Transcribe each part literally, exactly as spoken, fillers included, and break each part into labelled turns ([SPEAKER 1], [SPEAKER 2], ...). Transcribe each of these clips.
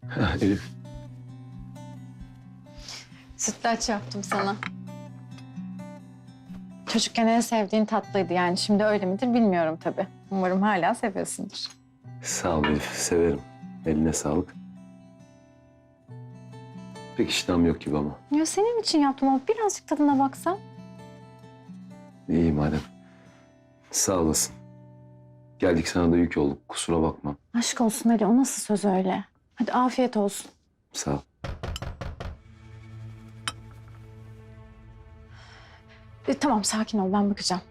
[SPEAKER 1] Ha, Elif.
[SPEAKER 2] Sütlaç yaptım sana. Çocukken en sevdiğin tatlıydı yani. Şimdi öyle midir bilmiyorum tabii. Umarım hala seviyorsundur.
[SPEAKER 1] Sağ ol Elif. Severim. Eline sağlık. Pek iştahım yok gibi ama.
[SPEAKER 2] Ya senin için yaptım ama birazcık tadına baksan.
[SPEAKER 1] İyi madem. Sağ olasın. Geldik sana da yük olduk. Kusura bakma.
[SPEAKER 2] Aşk olsun Ali, o nasıl söz öyle? Hadi afiyet olsun.
[SPEAKER 1] Sağ ol.
[SPEAKER 2] E, tamam sakin ol, ben bakacağım.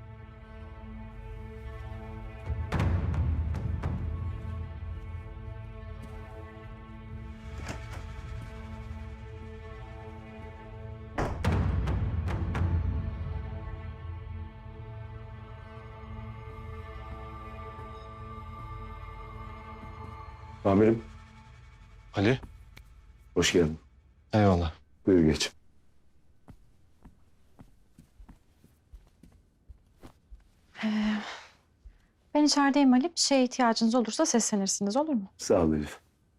[SPEAKER 1] Amirim.
[SPEAKER 3] Ali.
[SPEAKER 1] Hoş geldin.
[SPEAKER 3] Eyvallah.
[SPEAKER 1] Buyur geç.
[SPEAKER 2] Ben içerideyim Ali. Bir şeye ihtiyacınız olursa seslenirsiniz, olur mu?
[SPEAKER 1] Sağ ol Elif.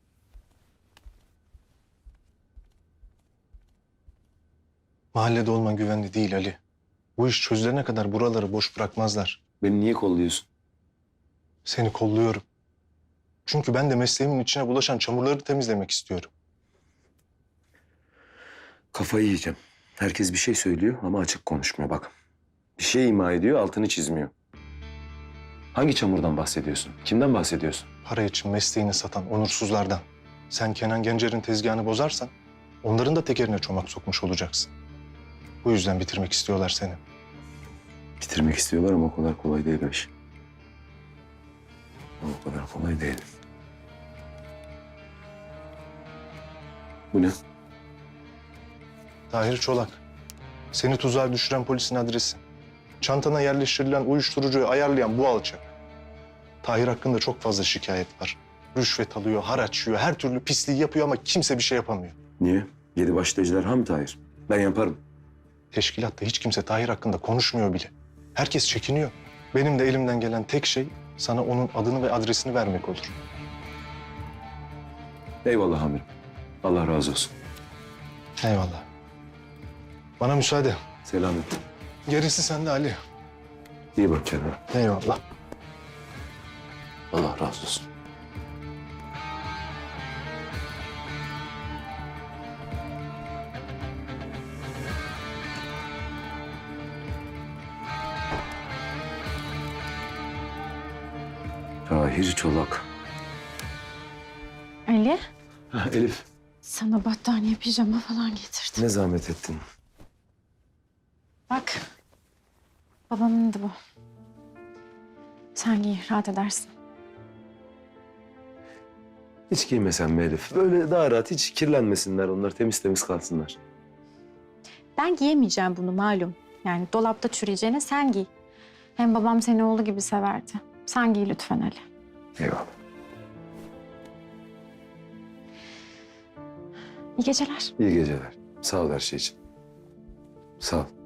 [SPEAKER 3] Mahallede olman güvenli değil Ali. Bu iş çözülene kadar buraları boş bırakmazlar.
[SPEAKER 1] Beni niye kolluyorsun?
[SPEAKER 3] Seni kolluyorum. Çünkü ben de mesleğimin içine bulaşan çamurları temizlemek istiyorum.
[SPEAKER 1] Kafayı yiyeceğim. Herkes bir şey söylüyor ama açık konuşmuyor bak. Bir şey ima ediyor, altını çizmiyor. Hangi çamurdan bahsediyorsun? Kimden bahsediyorsun?
[SPEAKER 3] Para için mesleğini satan onursuzlardan. Sen Kenan Gencer'in tezgahını bozarsan onların da tekerine çomak sokmuş olacaksın. Bu yüzden bitirmek istiyorlar seni.
[SPEAKER 1] Bitirmek istiyorlar ama o kadar kolay değil o iş. O kadar kolay değil. Bu ne?
[SPEAKER 3] Tahir Çolak. Seni tuzağa düşüren polisin adresi. Çantana yerleştirilen uyuşturucuyu ayarlayan bu alçak. Tahir hakkında çok fazla şikayet var. Rüşvet alıyor, haraç yiyor, her türlü pisliği yapıyor ama kimse bir şey yapamıyor.
[SPEAKER 1] Niye? Yedi başlı ejderha mı Tahir? Ben yaparım.
[SPEAKER 3] Teşkilatta hiç kimse Tahir hakkında konuşmuyor bile. Herkes çekiniyor. Benim de elimden gelen tek şey sana onun adını ve adresini vermek olur.
[SPEAKER 1] Eyvallah amirim. Allah razı olsun.
[SPEAKER 3] Eyvallah. Bana müsaade.
[SPEAKER 1] Selamet.
[SPEAKER 3] Gerisi sende Ali.
[SPEAKER 1] İyi bak kendine.
[SPEAKER 3] Eyvallah.
[SPEAKER 1] Allah razı olsun. Tahir Çolak.
[SPEAKER 2] Ali,
[SPEAKER 1] Ha, Elif,
[SPEAKER 2] sana battaniye, pijama falan getirdim.
[SPEAKER 1] ne zahmet ettin.
[SPEAKER 2] Bak, babamın da bu. Sen giy, rahat edersin.
[SPEAKER 1] Hiç giymesen mi Elif? Böyle daha rahat, hiç kirlenmesinler onlar, temiz temiz kalsınlar.
[SPEAKER 2] Ben giyemeyeceğim bunu malum. Yani dolapta çürüyeceğine sen giy. Hem babam seni oğlu gibi severdi. Sen giy lütfen Ali.
[SPEAKER 1] Eyvallah.
[SPEAKER 2] İyi geceler.
[SPEAKER 1] İyi geceler. Sağ ol her şey için. Sağ ol.